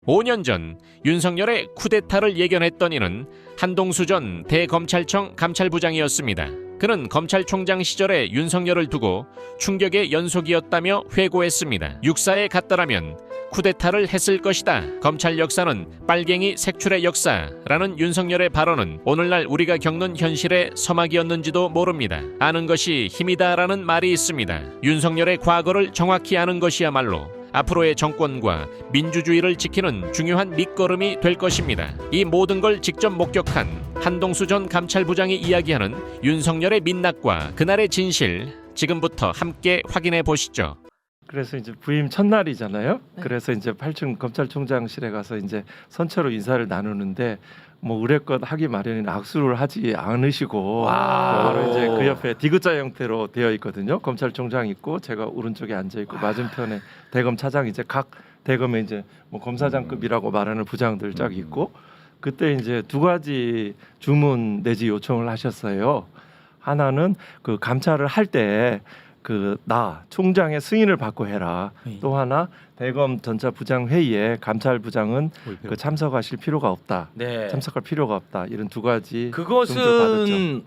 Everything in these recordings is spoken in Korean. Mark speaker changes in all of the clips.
Speaker 1: 5년 전 윤석열의 쿠데타를 예견했던 이는 한동수 전 대검찰청 감찰부장이었습니다. 그는 검찰총장 시절에 윤석열을 두고 충격의 연속이었다며 회고했습니다. 육사에 갔더라면 쿠데타를 했을 것이다. 검찰 역사는 빨갱이 색출의 역사라는 윤석열의 발언은 오늘날 우리가 겪는 현실의 서막이었는지도 모릅니다. 아는 것이 힘이다라는 말이 있습니다. 윤석열의 과거를 정확히 아는 것이야말로 앞으로의 정권과 민주주의를 지키는 중요한 밑거름이 될 것입니다. 이 모든 걸 직접 목격한 한동수 전 감찰부장이 이야기하는 윤석열의 민낯과 그날의 진실, 지금부터 함께 확인해 보시죠.
Speaker 2: 그래서 이제 부임 첫날이잖아요.
Speaker 3: 네.
Speaker 2: 그래서 이제 8층 검찰총장실에 가서 이제 선체로 인사를 나누는데 뭐 의례껏 하기 마련인 악수를 하지 않으시고 바로 이제 그 옆에 디귿자 형태로 되어 있거든요. 검찰총장 있고 제가 오른쪽에 앉아 있고 맞은편에 대검 차장 이제 각 대검에 이제 뭐 검사장급이라고 말하는 부장들 쫙 있고 그때 이제 두 가지 주문 내지 요청을 하셨어요. 하나는 그 감찰을 할 때 그 나 총장의 승인을 받고 해라. 또 하나 대검 전차 부장 회의에 감찰부장은 그 참석하실 필요가 없다.
Speaker 4: 네.
Speaker 2: 참석할 필요가 없다. 이런 두 가지 정도를
Speaker 4: 그것은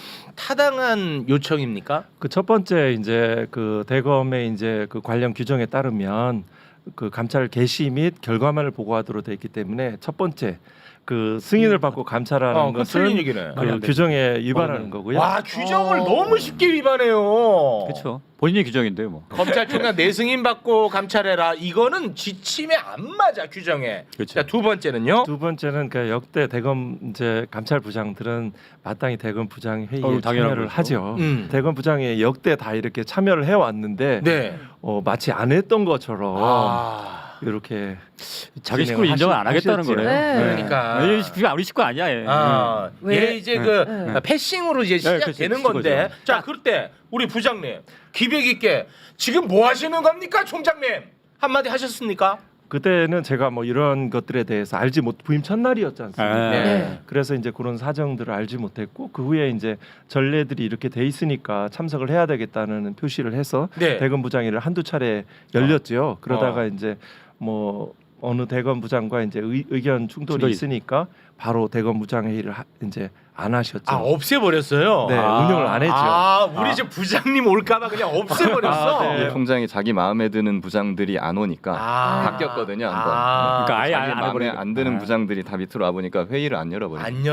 Speaker 4: 타당한 요청입니까?
Speaker 2: 그 첫 번째 이제 그 대검의 이제 그 관련 규정에 따르면 그 감찰 개시 및 결과만을 보고하도록 돼 있기 때문에 첫 번째 그 승인을 받고 감찰하는
Speaker 4: 그 틀린
Speaker 2: 것은
Speaker 4: 얘기네.
Speaker 2: 그 규정에 위반하는 거고요.
Speaker 4: 와 규정을 너무 쉽게 위반해요.
Speaker 5: 그렇죠. 본인의 규정인데요, 뭐.
Speaker 4: 검찰총장 내승인 받고 감찰해라. 이거는 지침에 안 맞아 규정에.
Speaker 5: 그렇죠.
Speaker 4: 자, 두 번째는요.
Speaker 2: 두 번째는 그 역대 대검 이제 감찰 부장들은 마땅히 대검 부장 회의에
Speaker 5: 당연한
Speaker 2: 참여를
Speaker 5: 거죠.
Speaker 2: 하죠.
Speaker 4: 음.
Speaker 2: 대검 부장이 역대 다 이렇게 참여를 해왔는데
Speaker 4: 네.
Speaker 2: 마치 안 했던 것처럼
Speaker 4: 아.
Speaker 2: 이렇게
Speaker 5: 자기 식구를 인정을 안 하겠다는
Speaker 2: 하셨죠.
Speaker 5: 거네요.
Speaker 3: 네.
Speaker 4: 그러니까.
Speaker 5: 그게 우리 식구 아니야. 얘.
Speaker 4: 아,
Speaker 3: 왜?
Speaker 4: 얘 이제 그 패싱으로 이제 시작되는
Speaker 5: 그치,
Speaker 4: 건데.
Speaker 5: 그거죠.
Speaker 4: 자, 그때 우리 부장님 기백 있게 지금 뭐 하시는 겁니까, 총장님? 한마디 하셨습니까?
Speaker 2: 그때는 제가 뭐 이런 것들에 대해서 알지 못 부임 첫날이었지 않습니까?
Speaker 4: 네.
Speaker 2: 그래서 이제 그런 사정들을 알지 못했고 그 후에 이제 전례들이 이렇게 돼 있으니까 참석을 해야 되겠다는 표시를 해서
Speaker 4: 네.
Speaker 2: 대검 부장회를 한두 차례 열렸죠. 그러다가 이제 뭐 어느 대검 부장과 이제 의견 충돌이 있으니까 바로 대검 부장 회의를 이제 안 하셨죠.
Speaker 4: 아, 없애버렸어요.
Speaker 2: 네, 운영을 안 했죠.
Speaker 4: 아, 우리 이제 부장님 올까봐 그냥 없애버렸어.
Speaker 2: 아, 네.
Speaker 6: 총장이 자기 마음에 드는 부장들이 안 오니까
Speaker 4: 아.
Speaker 6: 바뀌었거든요. 한번.
Speaker 5: 그러니까 아예
Speaker 6: 자기
Speaker 5: 안
Speaker 6: 마음에
Speaker 5: 해버리니까.
Speaker 6: 안 드는
Speaker 5: 아.
Speaker 6: 부장들이 다 밑으로 와 보니까 회의를 안 열어버렸어요.
Speaker 4: 안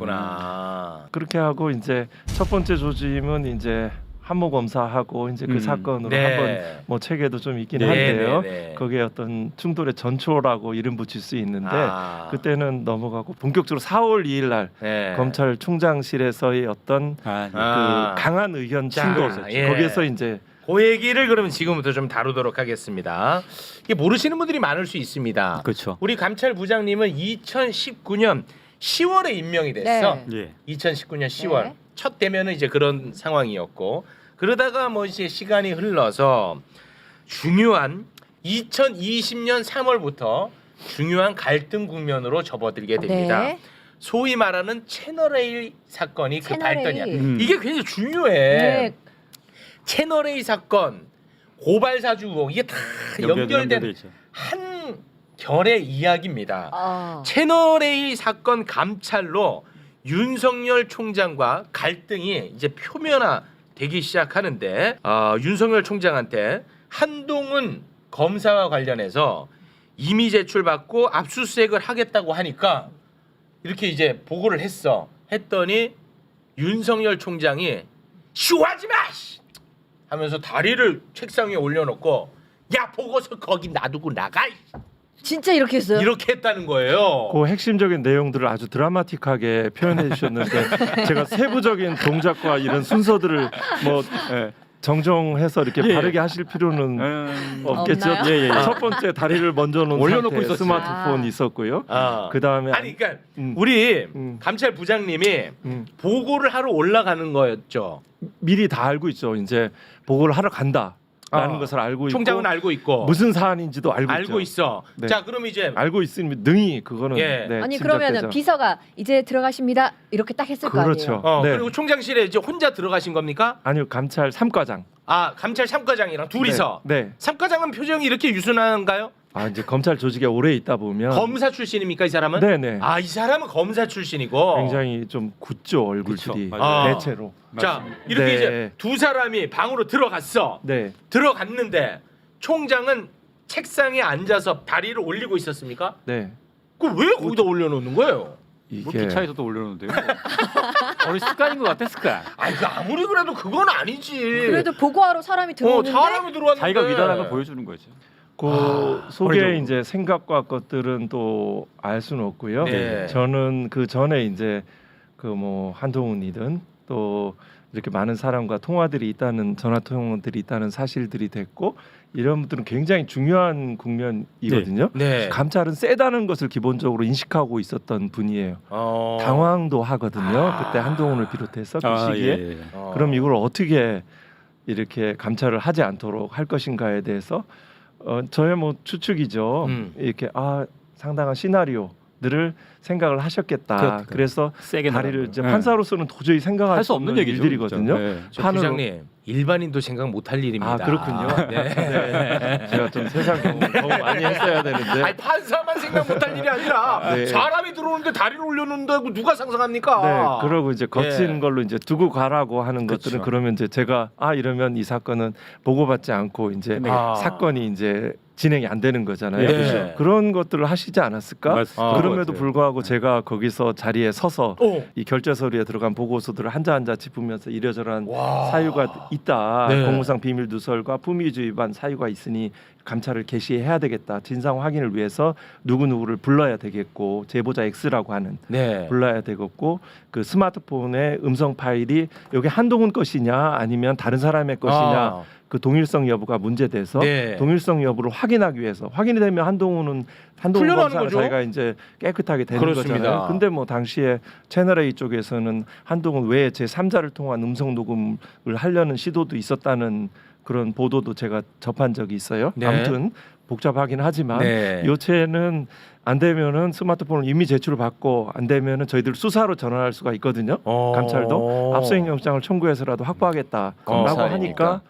Speaker 4: 열어버렸구나.
Speaker 2: 그렇게 하고 이제 첫 번째 조짐은 이제 한모 검사하고 이제 그 사건으로
Speaker 4: 네.
Speaker 2: 한번 뭐 책에도 좀 있긴
Speaker 4: 네,
Speaker 2: 한데요.
Speaker 4: 네, 네.
Speaker 2: 거기에 어떤 충돌의 전초라고 이름 붙일 수 있는데
Speaker 4: 아.
Speaker 2: 그때는 넘어가고 본격적으로 4월 2일 날
Speaker 4: 네.
Speaker 2: 검찰총장실에서의 어떤
Speaker 5: 아,
Speaker 4: 아.
Speaker 2: 그 강한 의견
Speaker 4: 자,
Speaker 2: 충돌
Speaker 4: 예.
Speaker 2: 거기에서 이제
Speaker 4: 그 얘기를 그러면 지금부터 좀 다루도록 하겠습니다. 이게 모르시는 분들이 많을 수 있습니다.
Speaker 5: 그렇죠.
Speaker 4: 우리 감찰부장님은 2019년 10월에 임명이 됐어.
Speaker 3: 네.
Speaker 5: 예.
Speaker 4: 2019년 10월
Speaker 3: 네.
Speaker 4: 첫 대면은 이제 그런 상황이었고 그러다가 뭐 이제 시간이 흘러서 중요한 2020년 3월부터 중요한 갈등 국면으로 접어들게 됩니다.
Speaker 3: 네.
Speaker 4: 소위 말하는 채널 A 사건이 그
Speaker 3: 채널 A.
Speaker 4: 발단이야.
Speaker 5: 음.
Speaker 4: 이게 굉장히 중요해.
Speaker 3: 네.
Speaker 4: 채널 A 사건, 고발 사주 의혹 이게 다 연결된
Speaker 5: 연결돼 있죠.
Speaker 4: 한 결의 이야기입니다.
Speaker 3: 아.
Speaker 4: 채널 A 사건 감찰로 윤석열 총장과 갈등이 이제 표면화되기 시작하는데 윤석열 총장한테 한동훈 검사와 관련해서 임의 제출받고 압수수색을 하겠다고 하니까 이렇게 이제 보고를 했더니 윤석열 총장이 쇼하지 마! 하면서 다리를 책상 위에 올려놓고 야 보고서 거기 놔두고 나가!
Speaker 3: 진짜 이렇게 했어요?
Speaker 4: 이렇게 했다는 거예요.
Speaker 2: 그 핵심적인 내용들을 아주 드라마틱하게 표현해 주셨는데 제가 세부적인 동작과 이런 순서들을 뭐 정정해서 이렇게 바르게 하실 필요는 없겠죠.
Speaker 3: 없나요?
Speaker 5: 예, 예.
Speaker 2: 첫 번째 다리를 먼저 놓은
Speaker 5: 올려놓고
Speaker 2: 상태에
Speaker 5: 있었지.
Speaker 2: 스마트폰
Speaker 3: 아.
Speaker 2: 있었고요.
Speaker 4: 아.
Speaker 2: 그 다음에
Speaker 4: 아니 그러니까 우리 감찰 부장님이 보고를 하러 올라가는 거였죠.
Speaker 2: 미리 다 알고 있죠. 이제 보고를 하러 간다라는 것을 알고
Speaker 4: 총장은
Speaker 2: 있고
Speaker 4: 알고 있고
Speaker 2: 무슨 사안인지도 알고 있죠.
Speaker 4: 있어.
Speaker 2: 네.
Speaker 4: 자 그럼 이제
Speaker 2: 알고 있으면 능히 그거는
Speaker 4: 예.
Speaker 2: 네,
Speaker 3: 아니
Speaker 2: 짐작되죠.
Speaker 3: 그러면은 비서가 이제 들어가십니다 이렇게 딱 했을 거
Speaker 2: 그렇죠.
Speaker 3: 아니에요?
Speaker 2: 네.
Speaker 4: 그리고 총장실에 이제 혼자 들어가신 겁니까?
Speaker 2: 아니요 감찰 3과장.
Speaker 4: 아 감찰 3과장이랑 둘이서
Speaker 2: 네.
Speaker 4: 3과장은 표정이 이렇게 유순한가요?
Speaker 2: 이제 검찰 조직에 오래 있다 보면
Speaker 4: 검사 출신입니까 이 사람은?
Speaker 2: 네네
Speaker 4: 아 이 사람은 검사 출신이고
Speaker 2: 굉장히 좀 굳죠 얼굴들이
Speaker 5: 그쵸,
Speaker 4: 맞아요.
Speaker 2: 대체로.
Speaker 4: 자 이렇게
Speaker 2: 네.
Speaker 4: 이제 두 사람이 방으로 들어갔어.
Speaker 2: 네.
Speaker 4: 들어갔는데 총장은 책상에 앉아서 다리를 올리고 있었습니까?
Speaker 2: 네.
Speaker 4: 그 왜 거기다 올려놓는 거예요?
Speaker 5: 뭐
Speaker 2: 이게
Speaker 5: 기차에서도 올려놓는데요. 우리 습관인 것 같아 습관.
Speaker 4: 아니 그 아무리 그래도 그건 아니지.
Speaker 3: 그래도 보고하러 사람이 들어오는데
Speaker 4: 사람이 들어왔는데
Speaker 5: 자기가 위대한 걸 보여주는 거죠.
Speaker 2: 그 속에
Speaker 5: 어리죠.
Speaker 2: 이제 생각과 것들은 또 알 수는 없고요.
Speaker 4: 네.
Speaker 2: 저는 그 전에 이제 그 뭐 한동훈이든 또 이렇게 많은 사람과 통화들이 있다는 전화 통화들이 있다는 사실들이 됐고 이런 분들은 굉장히 중요한 국면이거든요.
Speaker 4: 네.
Speaker 2: 감찰은 세다는 것을 기본적으로 인식하고 있었던 분이에요. 당황도 하거든요. 그때 한동훈을 비롯해서 그 시기에
Speaker 5: 예.
Speaker 2: 그럼 이걸 어떻게 이렇게 감찰을 하지 않도록 할 것인가에 대해서 저의 뭐 추측이죠. 이렇게 상당한 시나리오들을 생각을 하셨겠다. 그래서
Speaker 5: 세게
Speaker 2: 다리를
Speaker 5: 나가고요.
Speaker 2: 이제
Speaker 5: 예.
Speaker 2: 판사로서는 도저히 생각할
Speaker 5: 할
Speaker 2: 수
Speaker 5: 수 없는
Speaker 2: 없는
Speaker 5: 얘기죠.
Speaker 2: 일들이거든요.
Speaker 5: 진짜. 예.
Speaker 4: 저
Speaker 2: 판으로-
Speaker 4: 부장님 일반인도 생각 못할 일입니다.
Speaker 2: 그렇군요.
Speaker 4: 네.
Speaker 2: 네. 제가 좀 세상 경험 더 많이 했어야 되는데.
Speaker 4: 아니 판사만 생각 못할 일이 아니라
Speaker 2: 네.
Speaker 4: 사람이 들어오는데 다리를 올려놓는다고 누가 상상합니까?
Speaker 2: 네, 그러고 이제 거친
Speaker 4: 예.
Speaker 2: 걸로 이제 두고 가라고 하는
Speaker 4: 그렇죠.
Speaker 2: 것들은 그러면 이제 제가 이러면 이 사건은 보고받지 않고 이제 사건이 이제 진행이 안 되는 거잖아요.
Speaker 4: 네. 그렇죠.
Speaker 2: 그런 것들을 하시지 않았을까?
Speaker 5: 맞습니다.
Speaker 2: 그럼에도 불구하고 제가 거기서 자리에 서서
Speaker 4: 어.
Speaker 2: 이 결재 서류에 들어간 보고서들을 한자 한자 짚으면서 이러저러한
Speaker 4: 와.
Speaker 2: 사유가 있다.
Speaker 4: 네.
Speaker 2: 공무상 비밀 누설과 품위주의 위반 사유가 있으니 감찰을 개시해야 되겠다. 진상 확인을 위해서 누구누구를 불러야 되겠고 제보자 X라고 하는
Speaker 4: 네.
Speaker 2: 불러야 되겠고 그 스마트폰의 음성 파일이 여기 한동훈 것이냐 아니면 다른 사람의 것이냐 그 동일성 여부가 문제돼서
Speaker 4: 네.
Speaker 2: 동일성 여부를 확인하기 위해서 확인이 되면 한동훈
Speaker 4: 풀려나는
Speaker 2: 검사가
Speaker 4: 거죠?
Speaker 2: 자기가 이제 깨끗하게 되는
Speaker 4: 그렇습니다.
Speaker 2: 거잖아요. 근데 뭐 당시에 채널 A 쪽에서는 한동훈 외에 제 3자를 통한 음성 녹음을 하려는 시도도 있었다는 그런 보도도 제가 접한 적이 있어요.
Speaker 4: 네.
Speaker 2: 아무튼 복잡하긴 하지만
Speaker 4: 네.
Speaker 2: 요체는 안 되면은 스마트폰을 이미 제출을 받고 안 되면은 저희들 수사로 전환할 수가 있거든요. 감찰도 압수행영장을 청구해서라도 확보하겠다라고
Speaker 6: 검찰이니까.
Speaker 2: 하니까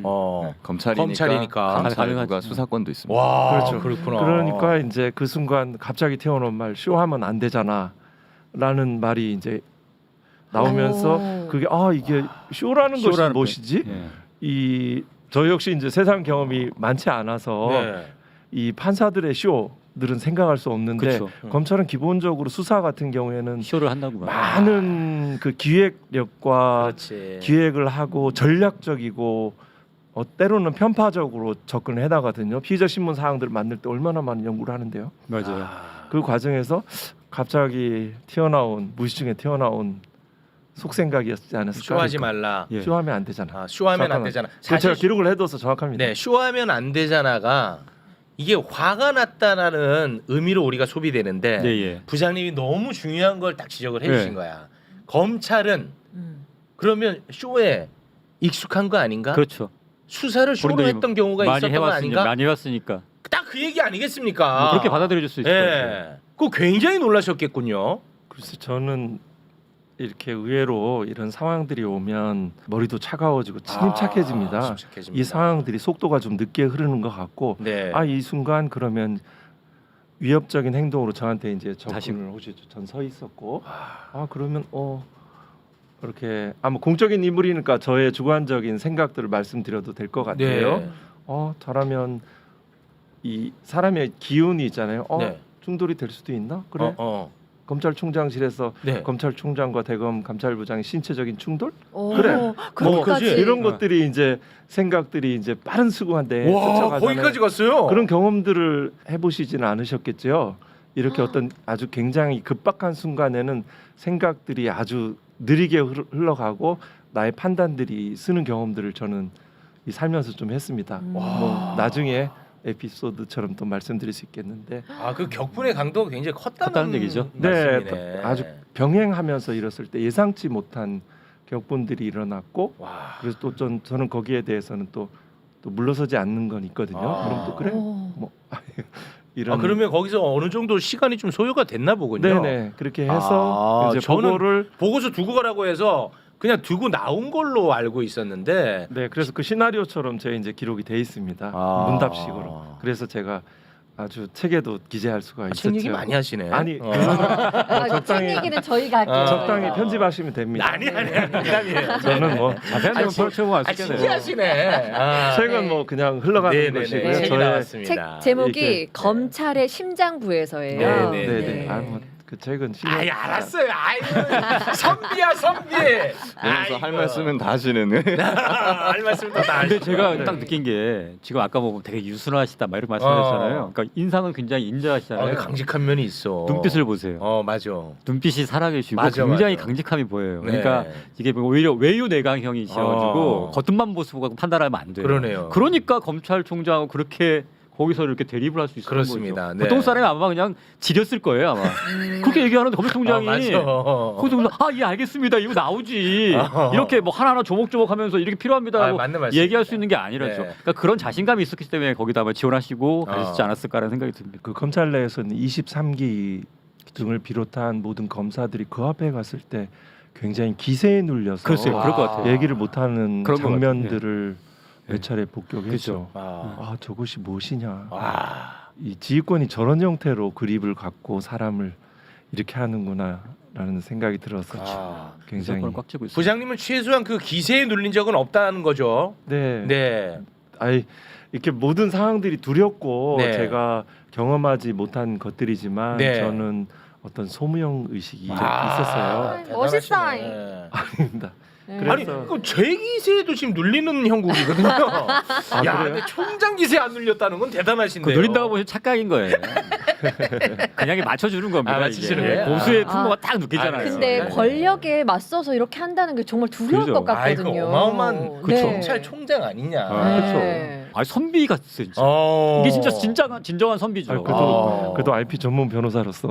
Speaker 4: 검찰이니까.
Speaker 6: 감찰과
Speaker 5: 가능하지.
Speaker 6: 수사권도 있습니다.
Speaker 4: 와
Speaker 2: 그렇죠.
Speaker 4: 그렇구나.
Speaker 2: 그러니까 이제 그 순간 갑자기 튀어나온 말 쇼하면 안 되잖아라는 말이 이제 나오면서
Speaker 3: 오.
Speaker 2: 그게 이게 쇼라는 것이
Speaker 5: 쇼라는
Speaker 2: 무엇이지?
Speaker 5: 예.
Speaker 2: 이 저 역시 이제 세상 경험이 많지 않아서
Speaker 4: 네.
Speaker 2: 이 판사들의 쇼들은 생각할 수 없는데
Speaker 5: 그쵸.
Speaker 2: 검찰은 기본적으로 수사 같은 경우에는
Speaker 5: 쇼를 한다고 봐요.
Speaker 2: 많은 그 기획력과
Speaker 4: 그렇지.
Speaker 2: 기획을 하고 전략적이고 때로는 편파적으로 접근을 해나가거든요. 피의자 신문 사항들을 만들 때 얼마나 많은 연구를 하는데요.
Speaker 5: 맞아요.
Speaker 2: 그 과정에서 갑자기 무시중에 튀어나온 속생각이었지 않았을까?
Speaker 4: 쇼하지 말라.
Speaker 5: 예.
Speaker 2: 쇼하면 안 되잖아.
Speaker 4: 쇼하면 안
Speaker 2: 잠깐만.
Speaker 4: 되잖아.
Speaker 2: 그거 제가 기록을 해둬서 정확합니다.
Speaker 4: 네, 쇼하면 안 되잖아가 이게 화가 났다라는 의미로 우리가 소비되는데
Speaker 5: 예, 예.
Speaker 4: 부장님이 너무 중요한 걸 딱 지적을 해주신
Speaker 5: 네.
Speaker 4: 거야. 검찰은
Speaker 3: 음.
Speaker 4: 그러면 쇼에 익숙한 거 아닌가?
Speaker 5: 그렇죠.
Speaker 4: 수사를 쇼로
Speaker 5: 우리도
Speaker 4: 했던 경우가
Speaker 5: 많이
Speaker 4: 있었던 거
Speaker 5: 해왔으니까
Speaker 4: 아닌가?
Speaker 5: 많이 해왔으니까
Speaker 4: 딱 그 얘기 아니겠습니까?
Speaker 5: 뭐 그렇게 받아들여질 수 있을 것 같아요.
Speaker 4: 예, 그거 굉장히 놀라셨겠군요.
Speaker 2: 글쎄 저는 이렇게 의외로 이런 상황들이 오면 머리도 차가워지고 침착해집니다.
Speaker 4: 침착해집니다.
Speaker 2: 이 상황들이 속도가 좀 늦게 흐르는 것 같고
Speaker 4: 네.
Speaker 2: 이 순간 그러면 위협적인 행동으로 저한테 이제
Speaker 5: 다시-
Speaker 2: 접근을 오시죠. 전 서 있었고 그러면 이렇게 뭐 공적인 인물이니까 저의 주관적인 생각들을 말씀드려도 될 것 같아요.
Speaker 4: 네.
Speaker 2: 저라면 이 사람의 기운이 있잖아요.
Speaker 4: 네.
Speaker 2: 충돌이 될 수도 있나? 그래.
Speaker 4: 어.
Speaker 2: 검찰총장실에서
Speaker 4: 네.
Speaker 2: 검찰총장과 대검 감찰부장의 신체적인 충돌?
Speaker 3: 오,
Speaker 2: 그래.
Speaker 3: 그것까지.
Speaker 4: 그지?
Speaker 2: 이런 것들이 이제 생각들이 이제 빠른 수구한데
Speaker 4: 와,
Speaker 2: 쫓아가잖아요.
Speaker 4: 거기까지 갔어요.
Speaker 2: 그런 경험들을 해보시지는 않으셨겠죠. 이렇게 어떤 아주 굉장히 급박한 순간에는 생각들이 아주 느리게 흘러가고 나의 판단들이 쓰는 경험들을 저는 이 살면서 좀 했습니다. 뭐 나중에 에피소드처럼 또 말씀드릴 수 있겠는데,
Speaker 4: 그 격분의 강도가 굉장히 컸다는
Speaker 5: 컸다는 얘기죠.
Speaker 4: 말씀이네.
Speaker 2: 아주 병행하면서 이뤘을 때 예상치 못한 격분들이 일어났고,
Speaker 4: 와.
Speaker 2: 그래서 또 저는 거기에 대해서는 또 물러서지 않는 건 있거든요. 그럼 또 그래
Speaker 3: 오.
Speaker 2: 뭐 이런.
Speaker 4: 그러면 거기서 어느 정도 시간이 좀 소요가 됐나 보군요.
Speaker 2: 네네 그렇게 해서 이제
Speaker 4: 저는
Speaker 2: 보고를
Speaker 4: 보고서 두고 가라고 해서 그냥 두고 나온 걸로 알고 있었는데
Speaker 2: 그래서 그 시나리오처럼 제 이제 기록이 돼 있습니다. 문답식으로. 그래서 제가 아주 책에도 기재할 수가 있었죠.
Speaker 4: 책 얘기 많이 하시네.
Speaker 2: 아니
Speaker 3: 아,
Speaker 2: 적당히-
Speaker 3: 책 얘기는 저희가 할게요.
Speaker 2: 적당히 편집하시면 됩니다.
Speaker 4: 아니 농담이에요.
Speaker 2: 저는 뭐
Speaker 5: 자세한 내용 펼쳐보면 알 수 있겠네요.
Speaker 4: 신기하시네.
Speaker 2: 책은
Speaker 3: 네.
Speaker 2: 뭐 그냥 흘러가는
Speaker 4: 네네네.
Speaker 2: 것이고요.
Speaker 4: 책이
Speaker 2: 저의
Speaker 4: 나왔습니다.
Speaker 3: 책 제목이
Speaker 2: 이렇게-
Speaker 3: 검찰의 심장부에서예요.
Speaker 4: 네, 네,
Speaker 2: 네네. 그 책은 실력.
Speaker 4: 아이 알았어요. 아이 선비야 선비.
Speaker 6: 그래서 할 말씀은 다 하시는.
Speaker 4: 할 말씀도 다
Speaker 5: 근데
Speaker 4: 하시고.
Speaker 5: 제가 딱 느낀 게 지금 아까 보면 되게 유순하시다 막 이렇게 말씀하셨잖아요. 그러니까 인상은 굉장히 인자하시잖아요.
Speaker 4: 강직한 면이 있어.
Speaker 5: 눈빛을 보세요.
Speaker 4: 맞아.
Speaker 5: 눈빛이 살아계시고
Speaker 4: 맞아,
Speaker 5: 굉장히
Speaker 4: 맞아.
Speaker 5: 강직함이 보여요.
Speaker 4: 네.
Speaker 5: 그러니까 이게 오히려 외유 내강형이셔가지고
Speaker 4: 어.
Speaker 5: 겉만 보고 판단하면 안 돼요.
Speaker 4: 그러네요.
Speaker 5: 그러니까 검찰총장하고 그렇게 거기서 이렇게 대립을 할 수 있는
Speaker 4: 그렇습니다.
Speaker 5: 거죠.
Speaker 4: 네.
Speaker 5: 보통 사람이 아마 그냥 지렸을 거예요 아마. 그렇게 얘기하는데 검찰총장이
Speaker 4: 맞아.
Speaker 5: 거기서 예 알겠습니다 이거 나오지 이렇게 뭐 하나하나 조목조목하면서 이렇게 필요합니다라고
Speaker 4: 맞는 말씀입니다.
Speaker 5: 얘기할 수 있는 게 아니라죠.
Speaker 4: 네.
Speaker 5: 그러니까 그런 자신감이 있었기 때문에 거기다 아마 지원하시고 가셨지 않았을까라는 생각이 듭니다.
Speaker 2: 그 검찰 내에서는 23기 등을 비롯한 모든 검사들이 그 앞에 갔을 때 굉장히 기세에 눌려서
Speaker 5: 글쎄요, 그럴 것 같아요.
Speaker 2: 얘기를 못하는
Speaker 5: 그런 것
Speaker 2: 장면들을 몇
Speaker 5: 네.
Speaker 2: 차례 복격했죠.
Speaker 5: 그렇죠.
Speaker 2: 아 저것이 무엇이냐.
Speaker 4: 아.
Speaker 2: 이 지휘권이 저런 형태로 그립을 갖고 사람을 이렇게 하는구나라는 생각이 들어서 굉장히
Speaker 5: 무조건 꽉 쥐고 있어요.
Speaker 4: 부장님은 최소한 그 기세에 눌린 적은 없다는 거죠.
Speaker 2: 네.
Speaker 4: 네.
Speaker 2: 아이 이렇게 모든 상황들이 두렵고
Speaker 4: 네.
Speaker 2: 제가 경험하지 못한 것들이지만
Speaker 4: 네.
Speaker 2: 저는 어떤 소무형 의식이
Speaker 4: 아,
Speaker 2: 있었어요.
Speaker 3: 멋있다.
Speaker 4: 대단하시네.
Speaker 2: 아닙니다.
Speaker 3: 네.
Speaker 2: 그래서-
Speaker 4: 아니 그 제 기세에도 지금 눌리는 형국이거든요. 야,
Speaker 2: 그래요?
Speaker 4: 근데 총장 기세 안 눌렸다는 건
Speaker 5: 그
Speaker 4: 대단하신데요.
Speaker 5: 누린다고 보시면 착각인 거예요. 그냥 맞춰주는 겁니다.
Speaker 4: 맞춰주는
Speaker 5: 이게.
Speaker 4: 거예요?
Speaker 5: 고수의
Speaker 3: 아.
Speaker 5: 풍모가 딱 느끼잖아요.
Speaker 3: 근데
Speaker 4: 네.
Speaker 3: 권력에 맞서서 이렇게 한다는 게 정말 두려울
Speaker 5: 그죠.
Speaker 3: 것 같거든요.
Speaker 4: 아이고 어마어마한
Speaker 3: 네.
Speaker 4: 검찰 총장 아니냐.
Speaker 5: 아,
Speaker 3: 네.
Speaker 5: 아 선비 같았어요. 진짜.
Speaker 4: 어.
Speaker 5: 이게 진짜 진정한 선비죠.
Speaker 2: 아니, 그래도 IP 전문 변호사로서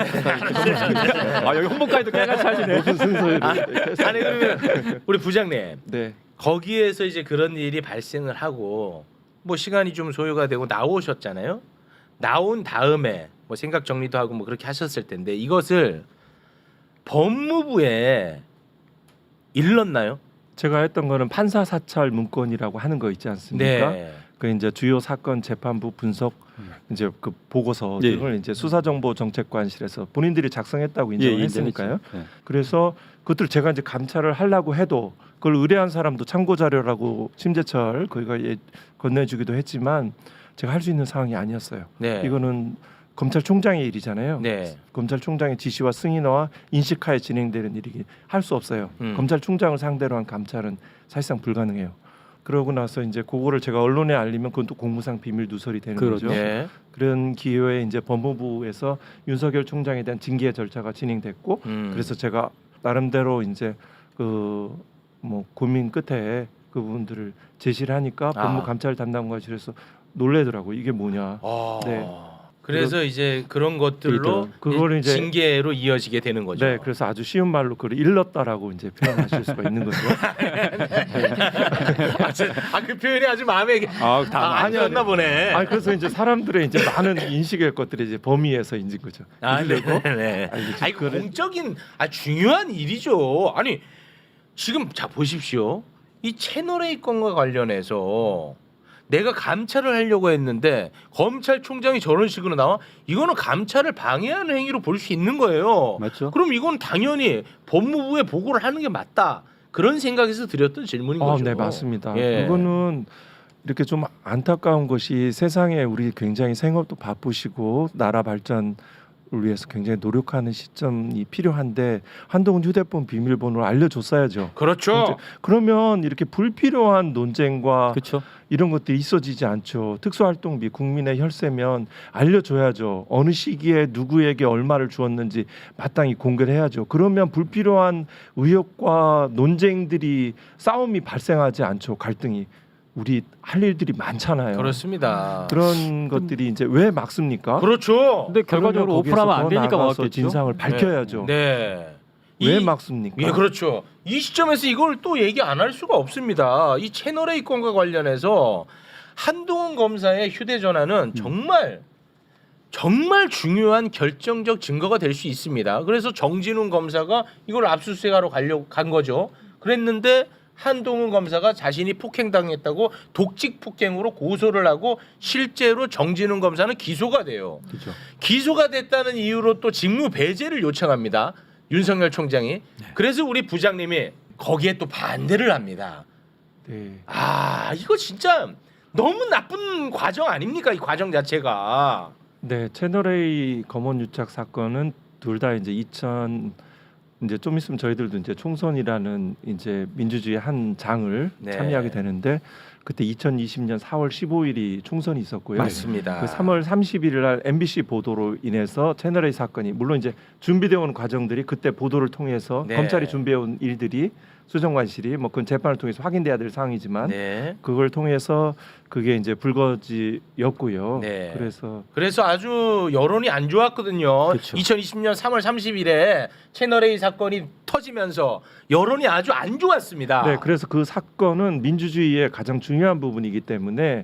Speaker 5: 아 여기 홍보까지도 깨같이 하시네.
Speaker 2: 높은 순서를
Speaker 4: 아니 그러면 우리 부장님
Speaker 2: 네.
Speaker 4: 거기에서 이제 그런 일이 발생을 하고 뭐 시간이 좀 소요가 되고 나오셨잖아요. 나온 다음에 뭐 생각 정리도 하고 뭐 그렇게 하셨을 텐데 이것을 법무부에 일렀나요?
Speaker 2: 제가 했던 거는 판사 사찰 문건이라고 하는 거 있지 않습니까?
Speaker 4: 네.
Speaker 2: 그 이제 주요 사건 재판부 분석 이제 그 보고서 등을 이제 수사정보정책관실에서 본인들이 작성했다고 인정을 했으니까요.
Speaker 5: 네.
Speaker 2: 그래서 그것들 제가 이제 감찰을 하려고 해도 그걸 의뢰한 사람도 참고 자료라고 심재철 거기가 건네주기도 했지만 제가 할 수 있는 상황이 아니었어요.
Speaker 4: 네.
Speaker 2: 이거는 검찰총장의 일이잖아요.
Speaker 4: 네.
Speaker 2: 검찰총장의 지시와 승인어와 인식하에 진행되는 일이기 할 수 없어요. 검찰총장을 상대로 한 감찰은 사실상 불가능해요. 그러고 나서 이제 그거를 제가 언론에 알리면 그건 또 공무상 비밀 누설이 되는
Speaker 5: 그렇죠.
Speaker 2: 거죠.
Speaker 4: 네.
Speaker 2: 그런 기회에 이제 법무부에서 윤석열 총장에 대한 징계 절차가 진행됐고 그래서 제가 나름대로 이제 그 뭐 고민 끝에 그 부분들을 제시를 하니까 법무감찰 담당관실에서 놀래더라고 이게 뭐냐. 네.
Speaker 4: 그래서 이제 그런 것들로
Speaker 2: 그거를 이제-
Speaker 4: 징계로 이어지게 되는 거죠.
Speaker 2: 네, 그래서 아주 쉬운 말로 그걸 일렀다라고 이제 표현하실 수가 있는 거죠.
Speaker 4: 그 표현이 아주 마음에 안 들었나 보네.
Speaker 2: 아 그래서 이제 사람들의 이제 많은 인식의 것들이 이제 범위에서 인진 거죠.
Speaker 4: 네. 아니 공적인 중요한 일이죠. 아니 지금 자 보십시오. 이 채널 A 건과 관련해서 내가 감찰을 하려고 했는데 검찰총장이 저런 식으로 나와 이거는 감찰을 방해하는 행위로 볼 수 있는 거예요.
Speaker 5: 맞죠?
Speaker 4: 그럼 이건 당연히 법무부에 보고를 하는 게 맞다. 그런 생각에서 드렸던 질문인 거죠.
Speaker 2: 네, 맞습니다.
Speaker 4: 예.
Speaker 2: 그거는 이렇게 좀 안타까운 것이 세상에 우리 굉장히 생업도 바쁘시고 나라 발전을 위해서 굉장히 노력하는 시점이 필요한데 한동훈 휴대폰 비밀번호를 알려줬어야죠.
Speaker 4: 그렇죠.
Speaker 2: 그러면 이렇게 불필요한 논쟁과
Speaker 5: 그렇죠.
Speaker 2: 이런 것들이 있어지지 않죠. 특수활동비 국민의 혈세면 알려줘야죠. 어느 시기에 누구에게 얼마를 주었는지 마땅히 공개를 해야죠. 그러면 불필요한 의혹과 논쟁들이 싸움이 발생하지 않죠. 갈등이. 우리 할 일들이 많잖아요.
Speaker 4: 그렇습니다.
Speaker 2: 그런 것들이 이제 왜 막습니까?
Speaker 4: 그렇죠.
Speaker 5: 근데 결과적으로
Speaker 2: 그러면 거기에서
Speaker 5: 오픈하면 안
Speaker 2: 더
Speaker 5: 되니까
Speaker 2: 나아가서
Speaker 5: 막았겠죠.
Speaker 2: 진상을 밝혀야죠.
Speaker 4: 네.
Speaker 2: 왜
Speaker 4: 이-
Speaker 2: 막습니까?
Speaker 4: 예, 그렇죠. 이 시점에서 이걸 또 얘기 안 할 수가 없습니다. 이 채널 A 건과 관련해서 한동훈 검사의 휴대전화는 정말 중요한 결정적 증거가 될 수 있습니다. 그래서 정진훈 검사가 이걸 압수수색하러 가려고 간 거죠. 그랬는데 한동훈 검사가 자신이 폭행당했다고 독직 폭행으로 고소를 하고 실제로 정진웅 검사는 기소가 돼요.
Speaker 5: 그렇죠.
Speaker 4: 기소가 됐다는 이유로 또 직무 배제를 요청합니다. 윤석열 총장이. 그래서 우리 부장님이 거기에 또 반대를 합니다.
Speaker 2: 네.
Speaker 4: 아 이거 진짜 너무 나쁜 과정 아닙니까? 이 과정 자체가.
Speaker 2: 네, 채널A 검언 유착 사건은 둘 다 이제 이제 좀 있으면 저희들도 이제 총선이라는 이제 민주주의 한 장을
Speaker 4: 네.
Speaker 2: 참여하게 되는데 그때 2020년 4월 15일이 총선이 있었고요.
Speaker 4: 맞습니다.
Speaker 2: 그 3월 31일 날 MBC 보도로 인해서 채널A 사건이 물론 이제 준비되어 온 과정들이 그때 보도를 통해서
Speaker 4: 네.
Speaker 2: 검찰이 준비해 온 일들이 수정관실이 뭐 그건 재판을 통해서 확인돼야 될 사항이지만
Speaker 4: 네.
Speaker 2: 그걸 통해서 그게 이제 불거지였고요.
Speaker 4: 네.
Speaker 2: 그래서
Speaker 4: 아주 여론이 안 좋았거든요.
Speaker 5: 그쵸.
Speaker 4: 2020년 3월 30일에 채널A 사건이 터지면서 여론이 아주 안 좋았습니다.
Speaker 2: 네, 그래서 그 사건은 민주주의의 가장 중요한 부분이기 때문에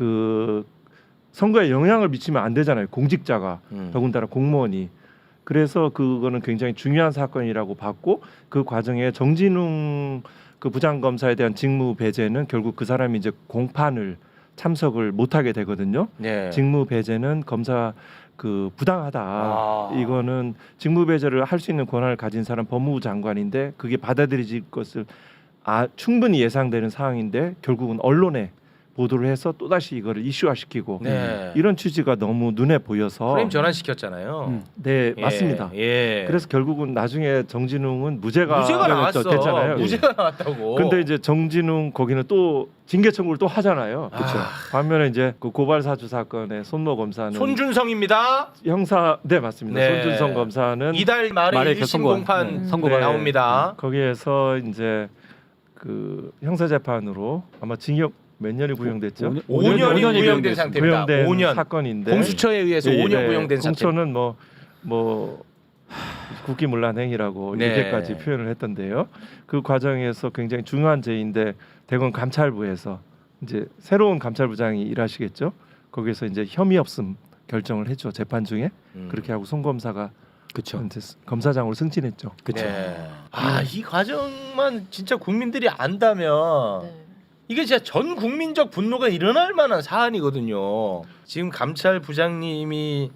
Speaker 2: 그 선거에 영향을 미치면 안 되잖아요. 공직자가 더군다나 공무원이. 그래서 그거는 굉장히 중요한 사건이라고 봤고 그 과정에 정진웅 그 부장검사에 대한 직무 배제는 결국 그 사람이 이제 공판을 참석을 못하게 되거든요.
Speaker 4: 네.
Speaker 2: 직무 배제는 검사 그 부당하다.
Speaker 4: 아.
Speaker 2: 이거는 직무 배제를 할 수 있는 권한을 가진 사람 법무부 장관인데 그게 받아들여질 것을 충분히 예상되는 사항인데 결국은 언론에 보도를 해서 또다시 이거를 이슈화시키고
Speaker 4: 네.
Speaker 2: 이런 취지가 너무 눈에 보여서
Speaker 4: 프레임 전환시켰잖아요.
Speaker 2: 네,
Speaker 4: 예,
Speaker 2: 맞습니다.
Speaker 4: 예.
Speaker 2: 그래서 결국은 나중에 정진웅은 무죄가
Speaker 4: 나왔어.
Speaker 2: 됐잖아요.
Speaker 4: 무죄가 나왔다고.
Speaker 2: 근데 이제 정진웅 거기는 또 징계 청구를 또 하잖아요.
Speaker 4: 그쵸.
Speaker 2: 반면에 이제 그 고발 사주 사건의 손모 검사는
Speaker 4: 손준성입니다.
Speaker 2: 형사 네 맞습니다.
Speaker 4: 네.
Speaker 2: 손준성 검사는
Speaker 4: 이달 말에
Speaker 5: 말에
Speaker 4: 1심
Speaker 5: 선고한,
Speaker 4: 공판
Speaker 5: 선고가
Speaker 4: 나옵니다.
Speaker 2: 거기에서 이제 그 형사 재판으로 아마 징역 몇 년이 구형됐죠?
Speaker 4: 5년이 구형된
Speaker 5: 구형됐습니다.
Speaker 4: 상태입니다.
Speaker 2: 구형된
Speaker 4: 5년.
Speaker 2: 사건인데
Speaker 4: 공수처에 의해서
Speaker 5: 예, 예.
Speaker 4: 5년 구형된 상태.
Speaker 2: 공처는 뭐 국기문란 행위라고
Speaker 4: 네.
Speaker 2: 이렇게까지 표현을 했던데요. 그 과정에서 굉장히 중요한 죄인데 대검 감찰부에서 이제 새로운 감찰부장이 일하시겠죠. 거기서 이제 혐의 없음 결정을 했죠. 재판 중에 그렇게 하고 송 검사가
Speaker 5: 그렇죠.
Speaker 2: 이제 검사장으로 승진했죠.
Speaker 5: 그렇죠.
Speaker 4: 네. 이 과정만 진짜 국민들이 안다면
Speaker 3: 네.
Speaker 4: 이게 진짜 전 국민적 분노가 일어날 만한 사안이거든요. 지금 감찰부장님이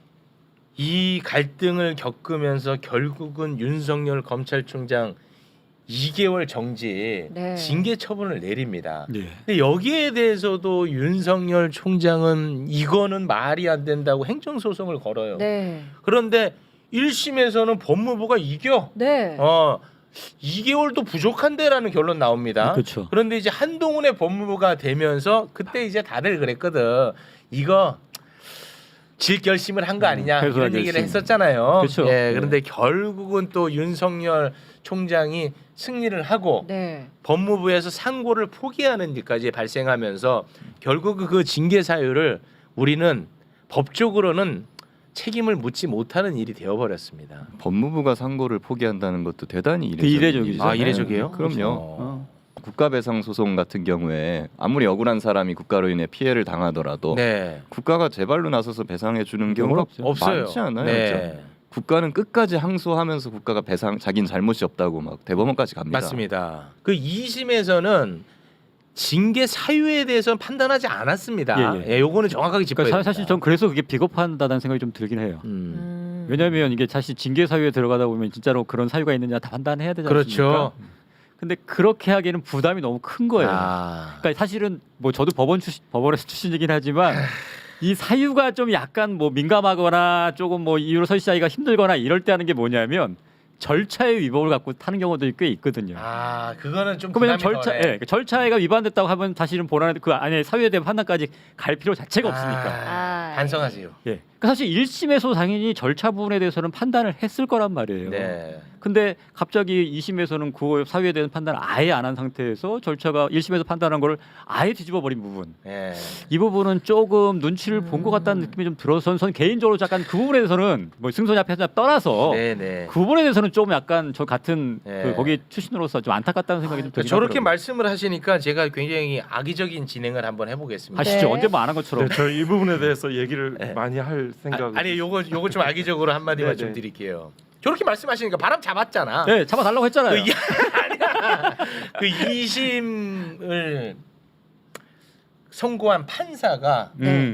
Speaker 4: 이 갈등을 겪으면서 결국은 윤석열 검찰총장 2개월 정지
Speaker 3: 네.
Speaker 4: 징계 처분을 내립니다.
Speaker 5: 네.
Speaker 4: 근데 여기에 대해서도 윤석열 총장은 이거는 말이 안 된다고 행정소송을 걸어요.
Speaker 3: 네.
Speaker 4: 그런데 1심에서는 법무부가 이겨.
Speaker 3: 네.
Speaker 4: 2개월도 부족한데라는 결론 나옵니다.
Speaker 5: 그렇죠.
Speaker 4: 그런데 이제 한동훈의 법무부가 되면서 그때 이제 다들 그랬거든. 이거 질 결심을 한 거 아니냐 이런
Speaker 5: 패소할
Speaker 4: 얘기를
Speaker 5: 결심.
Speaker 4: 했었잖아요.
Speaker 5: 그렇죠.
Speaker 4: 예, 그런데 결국은 또 윤석열 총장이 승리를 하고
Speaker 3: 네.
Speaker 4: 법무부에서 상고를 포기하는 일까지 발생하면서 결국 그 징계 사유를 우리는 법적으로는 책임을 묻지 못하는 일이 되어버렸습니다.
Speaker 6: 법무부가 상고를 포기한다는 것도 대단히
Speaker 5: 그 이례적이죠.
Speaker 6: 일이잖아요.
Speaker 4: 이례적이에요?
Speaker 6: 그럼요.
Speaker 4: 어.
Speaker 6: 국가배상 소송 같은 경우에 아무리 억울한 사람이 국가로 인해 피해를 당하더라도
Speaker 4: 네.
Speaker 6: 국가가 제발로 나서서 배상해 주는 경우가
Speaker 4: 없어요.
Speaker 6: 많지 않아요.
Speaker 4: 네.
Speaker 6: 진짜. 국가는 끝까지 항소하면서 국가가 자기는 잘못이 없다고 막 대법원까지 갑니다.
Speaker 4: 맞습니다. 그 2심에서는 징계 사유에 대해서는 판단하지 않았습니다.
Speaker 5: 예, 예.
Speaker 4: 요거는 정확하게 짚어야
Speaker 5: 그러니까
Speaker 4: 됩니다.
Speaker 5: 사실 전 그래서 그게 비겁하다는 생각이 좀 들긴 해요. 왜냐하면 이게 사실 징계 사유에 들어가다 보면 진짜로 그런 사유가 있느냐 다 판단해야 되지 않습니까?
Speaker 4: 그렇죠.
Speaker 5: 근데 그렇게 하기에는 부담이 너무 큰 거예요.
Speaker 4: 아.
Speaker 5: 그러니까 사실은 뭐 저도 법원에서 출신이긴 하지만 이 사유가 좀 약간 뭐 민감하거나 조금 뭐 이유로 설치하기가 힘들거나 이럴 때 하는 게 뭐냐면 절차의 위법을 갖고 타는 경우도 꽤 있거든요.
Speaker 4: 아, 그거는 좀
Speaker 5: 그러면
Speaker 4: 부담이
Speaker 5: 절차,
Speaker 4: 덜해.
Speaker 5: 그 절차가 위반됐다고 하면 사실은 본안에 그 안에 사유에 대한 판단까지 갈 필요 자체가 없으니까.
Speaker 3: 아,
Speaker 4: 반성하세요.
Speaker 5: 예. 그러니까 사실 1심에서 당연히 절차 부분에 대해서는 판단을 했을 거란 말이에요.
Speaker 4: 네.
Speaker 5: 근데 갑자기 2심에서는 그 사유에 대한 판단을 아예 안 한 상태에서 절차가 1심에서 판단한 걸 아예 뒤집어 버린 부분.
Speaker 4: 네.
Speaker 5: 이 부분은 조금 눈치를 본 것 같다는 느낌이 좀 들어서 전 개인적으로 약간 그 부분에 대해서는 뭐 승소냐 패소냐 떠나서
Speaker 4: 네, 네.
Speaker 5: 그 부분에 대해서는 좀 약간 저 같은
Speaker 4: 네.
Speaker 5: 그 거기 출신으로서 좀 안타깝다는 생각이 좀 들긴
Speaker 4: 저렇게
Speaker 5: 하더라고요.
Speaker 4: 말씀을 하시니까 제가 굉장히 악의적인 진행을 한번 해보겠습니다.
Speaker 5: 하시죠.
Speaker 3: 네.
Speaker 5: 언제 뭐 안 한 것처럼.
Speaker 2: 네, 저이 부분에 대해서 얘기를
Speaker 4: 네.
Speaker 2: 많이 할 생각.
Speaker 4: 아니 요거 좀 악의적으로 한 마디만
Speaker 2: 네,
Speaker 4: 좀
Speaker 2: 네.
Speaker 4: 드릴게요. 저렇게 말씀하시니까 바람 잡았잖아.
Speaker 5: 네, 잡아달라고 했잖아요.
Speaker 4: 아니야. 그 2심을 선고한 판사가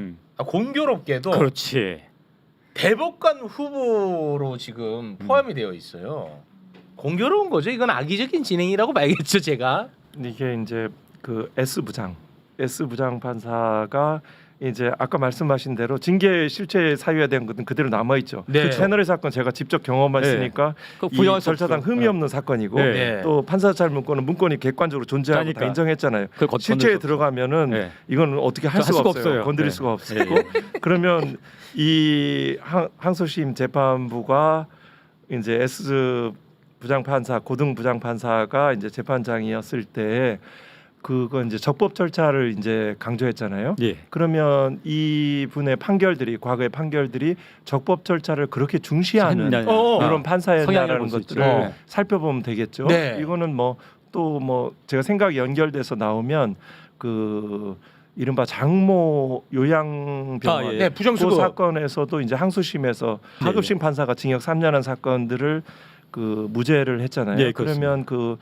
Speaker 4: 공교롭게도
Speaker 5: 그렇지.
Speaker 4: 대법관 후보로 지금 포함이 되어 있어요. 공교로운 거죠. 이건 악의적인 진행이라고 봐야겠죠, 제가.
Speaker 2: 이게 이제 그 S 부장 판사가 이제 아까 말씀하신 대로 징계 실체 사유에 대한 것은 그대로 남아 있죠.
Speaker 4: 네.
Speaker 2: 그 채널의 사건 제가 직접 경험했으니까
Speaker 5: 그거
Speaker 2: 이
Speaker 5: 부정할 수
Speaker 2: 절차상
Speaker 5: 없어요.
Speaker 2: 흠이 없는 사건이고
Speaker 5: 네.
Speaker 2: 또 판사찰 문건은 문건이 객관적으로 존재하고
Speaker 5: 그러니까.
Speaker 2: 다 인정했잖아요.
Speaker 5: 그걸 건들
Speaker 2: 실체에
Speaker 5: 수 없어요.
Speaker 2: 들어가면은
Speaker 5: 네.
Speaker 2: 이건 어떻게 할 수가 없어요. 건드릴
Speaker 5: 네.
Speaker 2: 수가 없고 그러면 이 항소심 재판부가 이제 S 부장 판사 고등 부장 판사가 이제 재판장이었을 때 그거 이제 적법 절차를 이제 강조했잖아요.
Speaker 5: 예.
Speaker 2: 그러면 이 분의 판결들이 과거의 판결들이 적법 절차를 그렇게 중시하는
Speaker 5: 했냐.
Speaker 2: 이런 판사였다라는
Speaker 5: 볼수 있죠.
Speaker 2: 것들을 살펴보면 되겠죠.
Speaker 4: 네.
Speaker 2: 이거는 뭐 또 뭐 제가 생각이 연결돼서 나오면 그 이른바 장모 요양병원
Speaker 5: 예.
Speaker 4: 네,
Speaker 2: 그
Speaker 4: 부정수거.
Speaker 2: 사건에서도 이제 항소심에서
Speaker 5: 예,
Speaker 2: 하급심 판사가 징역 3년한 사건들을 그 무죄를 했잖아요.
Speaker 5: 예, 그렇습니다.
Speaker 2: 그러면 그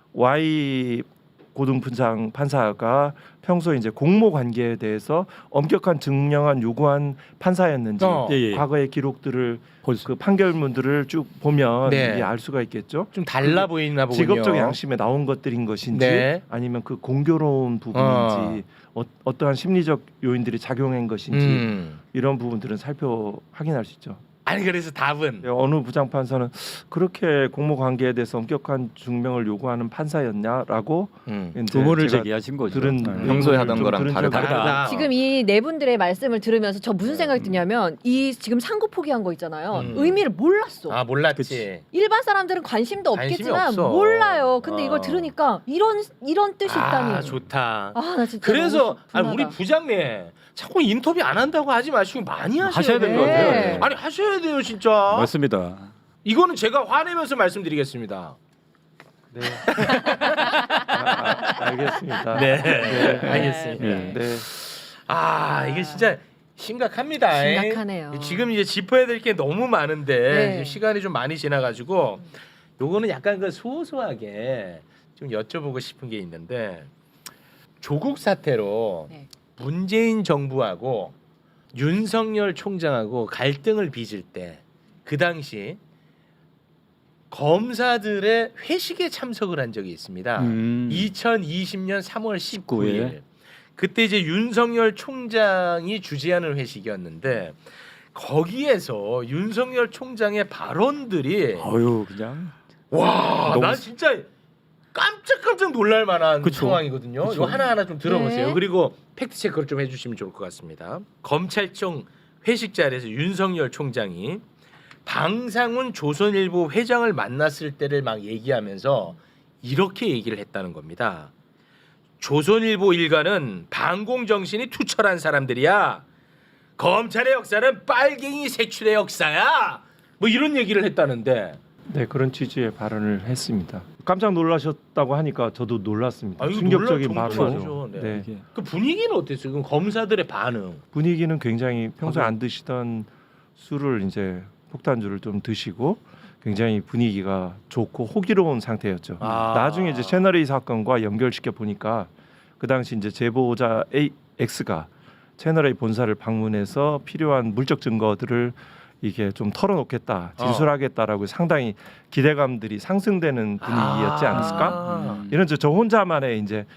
Speaker 2: Y 고등부장 판사가 평소에 이제 공모 관계에 대해서 엄격한 증명안 요구한 판사였는지
Speaker 5: 예, 예.
Speaker 2: 과거의 기록들을
Speaker 5: 볼 수-
Speaker 2: 그 판결문들을 쭉 보면
Speaker 4: 네.
Speaker 2: 이게 알 수가 있겠죠.
Speaker 4: 좀 달라 보이나 보군요.
Speaker 2: 직업적 양심에 나온 것들인 것인지
Speaker 4: 네.
Speaker 2: 아니면 그 공교로운 부분인지 어떠한 심리적 요인들이 작용한 것인지 이런 부분들은 확인할 수 있죠.
Speaker 4: 아니 그래서 답은
Speaker 2: 어느 부장판사는 그렇게 공모 관계에 대해서 엄격한 증명을 요구하는 판사였냐라고 이제
Speaker 5: 의문을
Speaker 2: 제가
Speaker 5: 제기하신 거죠.
Speaker 2: 들은
Speaker 5: 네.
Speaker 6: 평소에
Speaker 2: 좀
Speaker 6: 하던 거랑
Speaker 2: 들은
Speaker 6: 다르다.
Speaker 2: 적이
Speaker 4: 다르다.
Speaker 3: 지금 이 네 분들의 말씀을 들으면서 저 무슨 생각이 드냐면 이 지금 상고 포기한 거 있잖아요. 의미를 몰랐어.
Speaker 4: 아 몰랐지.
Speaker 5: 그치.
Speaker 3: 일반 사람들은 관심도
Speaker 4: 관심이
Speaker 3: 없겠지만
Speaker 4: 없어.
Speaker 3: 몰라요. 근데
Speaker 4: 어.
Speaker 3: 이걸 들으니까 이런 뜻이 있다니.
Speaker 4: 아 좋다.
Speaker 3: 아, 나 진짜
Speaker 4: 그래서
Speaker 3: 너무
Speaker 4: 아니, 우리
Speaker 3: 분하다.
Speaker 4: 부장님 자꾸 인터뷰 안 한다고 하지 마시고 많이
Speaker 5: 하셔야 되는 것
Speaker 3: 네.
Speaker 5: 같아요. 네.
Speaker 4: 아니 하셔야 돼요 진짜.
Speaker 5: 맞습니다.
Speaker 4: 이거는 제가 화내면서 말씀드리겠습니다.
Speaker 2: 네. 알겠습니다.
Speaker 4: 네,
Speaker 3: 네.
Speaker 4: 알겠습니다.
Speaker 5: 네.
Speaker 2: 네.
Speaker 4: 아 이게 진짜 심각합니다.
Speaker 3: 심각하네요.
Speaker 4: 지금 이제 짚어야 될 게 너무 많은데
Speaker 3: 네.
Speaker 4: 지금 시간이 좀 많이 지나가지고 요거는 약간 그 소소하게 좀 여쭤보고 싶은 게 있는데 조국 사태로
Speaker 3: 네.
Speaker 4: 문재인 정부하고 윤석열 총장하고 갈등을 빚을 때 그 당시 검사들의 회식에 참석을 한 적이 있습니다. 2020년 3월 19일.
Speaker 5: 19일.
Speaker 4: 그때 이제 윤석열 총장이 주재하는 회식이었는데 거기에서 윤석열 총장의 발언들이
Speaker 5: 어유 그냥
Speaker 4: 와,
Speaker 5: 너무
Speaker 4: 난 진짜 깜짝깜짝 놀랄 만한
Speaker 5: 그쵸.
Speaker 4: 상황이거든요.
Speaker 5: 그쵸.
Speaker 4: 이거 하나하나 좀 들어보세요.
Speaker 3: 네.
Speaker 4: 그리고 팩트 체크를 좀 해주시면 좋을 것 같습니다. 검찰청 회식 자리에서 윤석열 총장이 방상훈 조선일보 회장을 만났을 때를 막 얘기하면서 이렇게 얘기를 했다는 겁니다. 조선일보 일가는 반공 정신이 투철한 사람들이야. 검찰의 역사는 빨갱이 색출의 역사야. 뭐 이런 얘기를 했다는데.
Speaker 2: 네, 그런 취지의 발언을 했습니다. 깜짝 놀라셨다고 하니까 저도 놀랐습니다.
Speaker 4: 아, 이거
Speaker 2: 충격적인
Speaker 4: 놀랄
Speaker 2: 발언이죠.
Speaker 4: 정도죠. 네.
Speaker 2: 네.
Speaker 5: 이게
Speaker 4: 그 분위기는 어땠어요? 그럼 검사들의 반응.
Speaker 2: 분위기는 굉장히 평소에 안 드시던 술을 이제 폭탄주를 좀 드시고 굉장히 분위기가 좋고 호기로운 상태였죠.
Speaker 4: 아.
Speaker 2: 나중에 이제 채널 A 사건과 연결시켜 보니까 그 당시 이제 제보자 X가 채널 A 본사를 방문해서 필요한 물적 증거들을 이게 좀 털어놓겠다, 진술하겠다라고 상당히 기대감들이 상승되는 분위기였지 않았을까? 이런 저 혼자만의 이제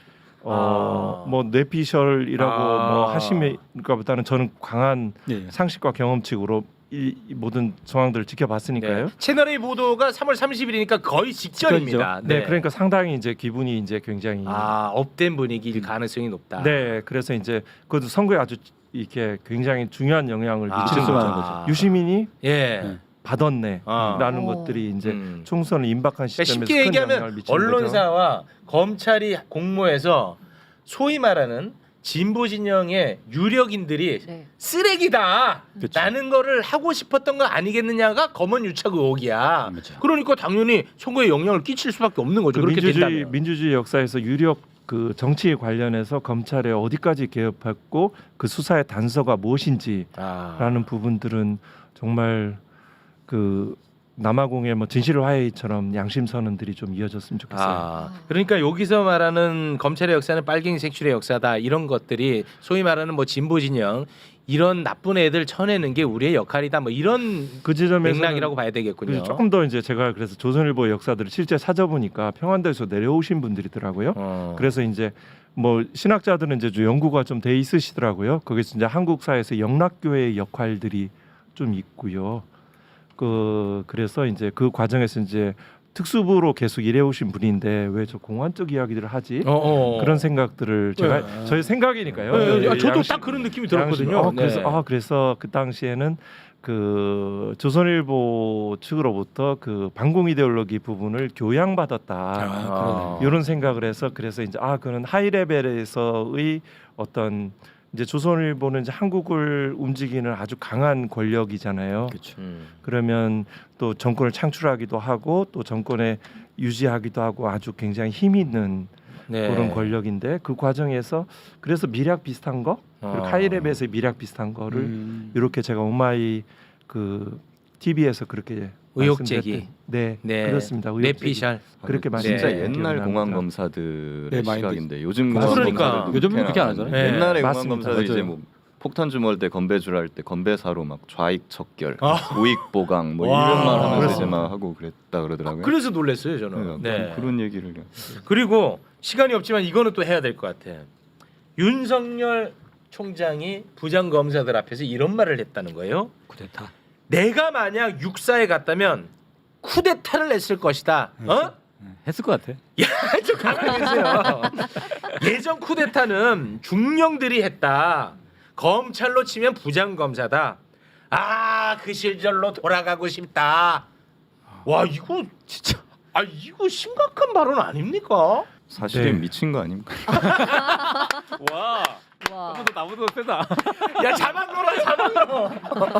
Speaker 2: 뭐 뇌피셜이라고 뭐 하시니까보다는 저는 강한
Speaker 5: 예.
Speaker 2: 상식과 경험칙으로 이 모든 정황들을 지켜봤으니까요.
Speaker 4: 네. 채널 A 보도가 3월 30일이니까 거의 직전입니다.
Speaker 2: 네, 그러니까 상당히 이제 기분이 이제 굉장히
Speaker 4: 업된 분위기일 가능성이 높다.
Speaker 2: 네, 그래서 이제 그것도 선거에 아주 이렇게 굉장히 중요한 영향을 미치는
Speaker 5: 실수하는
Speaker 2: 거죠.
Speaker 5: 거죠.
Speaker 2: 유시민이
Speaker 4: 예.
Speaker 2: 받았네라는 것들이 이제 총선을 임박한
Speaker 4: 그러니까
Speaker 2: 시점에서
Speaker 4: 쉽게
Speaker 2: 큰 영향을
Speaker 4: 얘기하면
Speaker 2: 미치는 거죠.
Speaker 4: 언론사와 검찰이 공모해서 소위 말하는 진보 진영의 유력인들이
Speaker 3: 네.
Speaker 4: 쓰레기다
Speaker 5: 그쵸.
Speaker 4: 라는 거를 하고 싶었던 거 아니겠느냐가 검언 유착 의혹이야.
Speaker 5: 맞죠.
Speaker 4: 그러니까 당연히 선거에 영향을 끼칠 수밖에 없는 거죠.
Speaker 2: 그
Speaker 4: 그렇게 된다면.
Speaker 2: 민주주의 역사에서 유력 그 정치 관련해서 검찰에 어디까지 개입했고 그 수사의 단서가 무엇인지라는 부분들은 정말 그 남아공의 뭐 진실화해처럼 양심 선언들이 좀 이어졌으면 좋겠어요.
Speaker 4: 그러니까 여기서 말하는 검찰의 역사는 빨갱이 색출의 역사다 이런 것들이 소위 말하는 뭐 진보 진영 이런 나쁜 애들 쳐내는 게 우리의 역할이다 뭐 이런
Speaker 2: 그 지점에서
Speaker 4: 맥락이라고 봐야 되겠군요.
Speaker 2: 조금 더 이제 제가 그래서 조선일보 역사들을 실제 찾아보니까 평안도에서 내려오신 분들이더라고요. 그래서 이제 뭐 신학자들은 이제 좀 연구가 좀 돼 있으시더라고요. 거기서 이제 한국 사회에서 영락교회의 역할들이 좀 있고요. 그래서 이제 그 과정에서 이제 특수부로 계속 일해오신 분인데 왜 저 공안적 이야기들을 하지? 그런 생각들을 제가 저의 생각이니까요.
Speaker 4: 네, 저도
Speaker 2: 양심-
Speaker 4: 딱 그런 느낌이
Speaker 2: 양심-
Speaker 4: 들었거든요.
Speaker 2: 그래서 그 당시에는 그 조선일보 측으로부터 그 반공 이데올로기 부분을 교양받았다 이런 생각을 해서 그래서 이제 그는 하이 레벨에서의 어떤 이제 조선일보는 이제 한국을 움직이는 아주 강한 권력이잖아요.
Speaker 5: 그렇죠.
Speaker 2: 그러면 또 정권을 창출하기도 하고 또 정권에 유지하기도 하고 아주 굉장히 힘 있는
Speaker 4: 네.
Speaker 2: 그런 권력인데 그 과정에서 그래서 미략 비슷한 거 그리고 하이랩에서의 미략 비슷한 거를 이렇게 제가 오마이 그 TV에서 그렇게
Speaker 4: 의혹
Speaker 2: 말씀드렸던-
Speaker 4: 제기.
Speaker 2: 네,
Speaker 4: 네.
Speaker 2: 그렇습니다. 의혹 제기.
Speaker 4: 내피셜.
Speaker 2: 그렇게
Speaker 6: 진짜
Speaker 2: 말씀드렸던
Speaker 6: 옛날
Speaker 2: 기억이
Speaker 6: 공안
Speaker 2: 납니다.
Speaker 6: 검사들의
Speaker 5: 네, 많이
Speaker 6: 시각인데 요즘
Speaker 2: 그러니까.
Speaker 6: 공안 검사들
Speaker 5: 요즘은 그렇게 안 하잖아요.
Speaker 4: 네.
Speaker 6: 옛날에 공안
Speaker 2: 맞습니다.
Speaker 6: 검사들 이제
Speaker 5: 맞아요.
Speaker 6: 뭐 폭탄 주머니 때 건배줄 할 때 건배사로 막 좌익 척결,
Speaker 4: 아.
Speaker 6: 우익 보강 뭐
Speaker 4: 와.
Speaker 6: 이런 말 하면서 이제
Speaker 2: 그렇습니다.
Speaker 6: 막 하고 그랬다 그러더라고요.
Speaker 4: 그래서 놀랐어요 저는.
Speaker 6: 네, 그런 얘기를
Speaker 4: 그리고 시간이 없지만 이거는 또 해야 될 것 같아. 윤석열 총장이 부장 검사들 앞에서 이런 말을 했다는 거예요.
Speaker 5: 쿠데타.
Speaker 4: 내가 만약 육사에 갔다면 쿠데타를 했을 것이다. 어?
Speaker 5: 했을 것 같아.
Speaker 4: 좀 가만히 계세요. 예전 쿠데타는 중령들이 했다. 검찰로 치면 부장 검사다. 그 시절로 돌아가고 싶다. 와 이거 진짜 이거 심각한 발언 아닙니까?
Speaker 6: 사실은
Speaker 2: 네.
Speaker 6: 미친 거 아닙니까?
Speaker 5: 와.
Speaker 3: 와.
Speaker 5: 나보다 세다.
Speaker 4: 야 자막으로.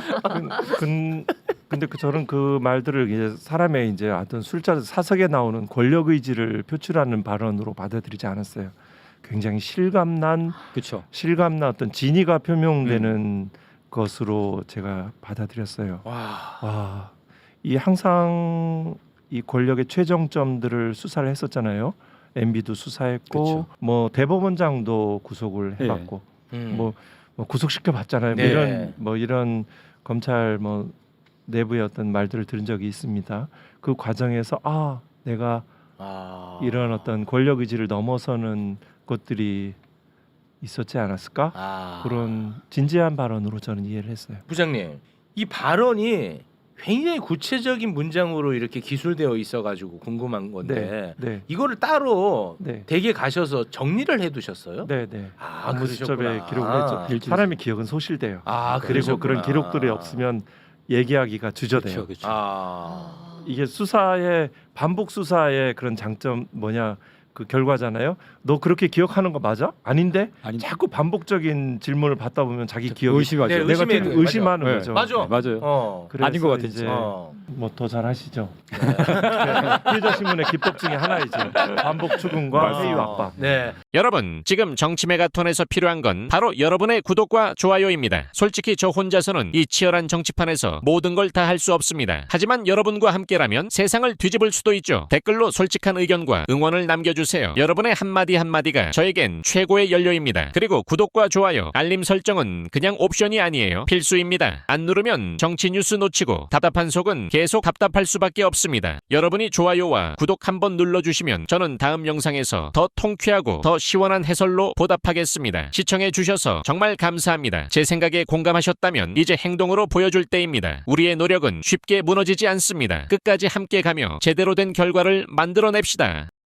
Speaker 2: 근데 저는 그 말들을 이제 사람의 이제 어떤 술자 사석에 나오는 권력 의지를 표출하는 발언으로 받아들이지 않았어요. 굉장히 실감난
Speaker 5: 그렇죠.
Speaker 2: 어떤 진의가 표명되는 것으로 제가 받아들였어요.
Speaker 4: 와.
Speaker 2: 이 항상 이 권력의 최정점들을 수사를 했었잖아요. MB도 수사했고
Speaker 5: 그쵸.
Speaker 2: 뭐 대법원장도 구속을 해봤고 뭐 구속시켜 봤잖아요.
Speaker 4: 네.
Speaker 2: 이런 검찰 뭐 내부의 어떤 말들을 들은 적이 있습니다. 그 과정에서 내가 이런 어떤 권력 의지를 넘어서는 것들이 있었지 않았을까? 그런 진지한 발언으로 저는 이해를 했어요.
Speaker 4: 부장님 이 발언이 굉장히 구체적인 문장으로 이렇게 기술되어 있어가지고 궁금한 건데
Speaker 2: 네.
Speaker 4: 이거를 따로
Speaker 2: 네.
Speaker 4: 댁에 가셔서 정리를 해두셨어요?
Speaker 2: 네. 업무수첩에
Speaker 4: 그러셨구나.
Speaker 2: 기록을 했죠. 사람의 기억은 소실돼요. 그리고
Speaker 4: 그러셨구나.
Speaker 2: 그런 기록들이 없으면 얘기하기가 주저돼요.
Speaker 5: 그렇죠.
Speaker 2: 이게 수사의 반복 수사의 그런 장점 그 결과잖아요. 너 그렇게 기억하는 거 맞아? 아닌데? 자꾸 반복적인 질문을 받다 보면 자기 기억이
Speaker 5: 의심하죠.
Speaker 4: 네,
Speaker 2: 내가
Speaker 4: 의심해요.
Speaker 2: 좀 의심하는
Speaker 5: 맞아.
Speaker 2: 거죠.
Speaker 4: 맞아.
Speaker 5: 맞아요.
Speaker 2: 그래서
Speaker 5: 아닌 것 같아,
Speaker 2: 이제
Speaker 5: 진짜.
Speaker 2: 뭐 더 잘하시죠. 피해자 신문의 기법 중에 하나이죠. 반복 추궁과 회유 압박.
Speaker 4: 네.
Speaker 1: 여러분, 지금 정치메가톤에서 필요한 건 바로 여러분의 구독과 좋아요입니다. 솔직히 저 혼자서는 이 치열한 정치판에서 모든 걸 다 할 수 없습니다. 하지만 여러분과 함께라면 세상을 뒤집을 수도 있죠. 댓글로 솔직한 의견과 응원을 남겨주세요. 여러분의 한마디 한마디가 저에겐 최고의 연료입니다. 그리고 구독과 좋아요, 알림 설정은 그냥 옵션이 아니에요. 필수입니다. 안 누르면 정치 뉴스 놓치고 답답한 속은 계속 답답할 수밖에 없습니다. 여러분이 좋아요와 구독 한번 눌러주시면 저는 다음 영상에서 더 통쾌하고 더 시원한 해설로 보답하겠습니다. 시청해주셔서 정말 감사합니다. 제 생각에 공감하셨다면 이제 행동으로 보여줄 때입니다. 우리의 노력은 쉽게 무너지지 않습니다. 끝까지 함께 가며 제대로 된 결과를 만들어냅시다.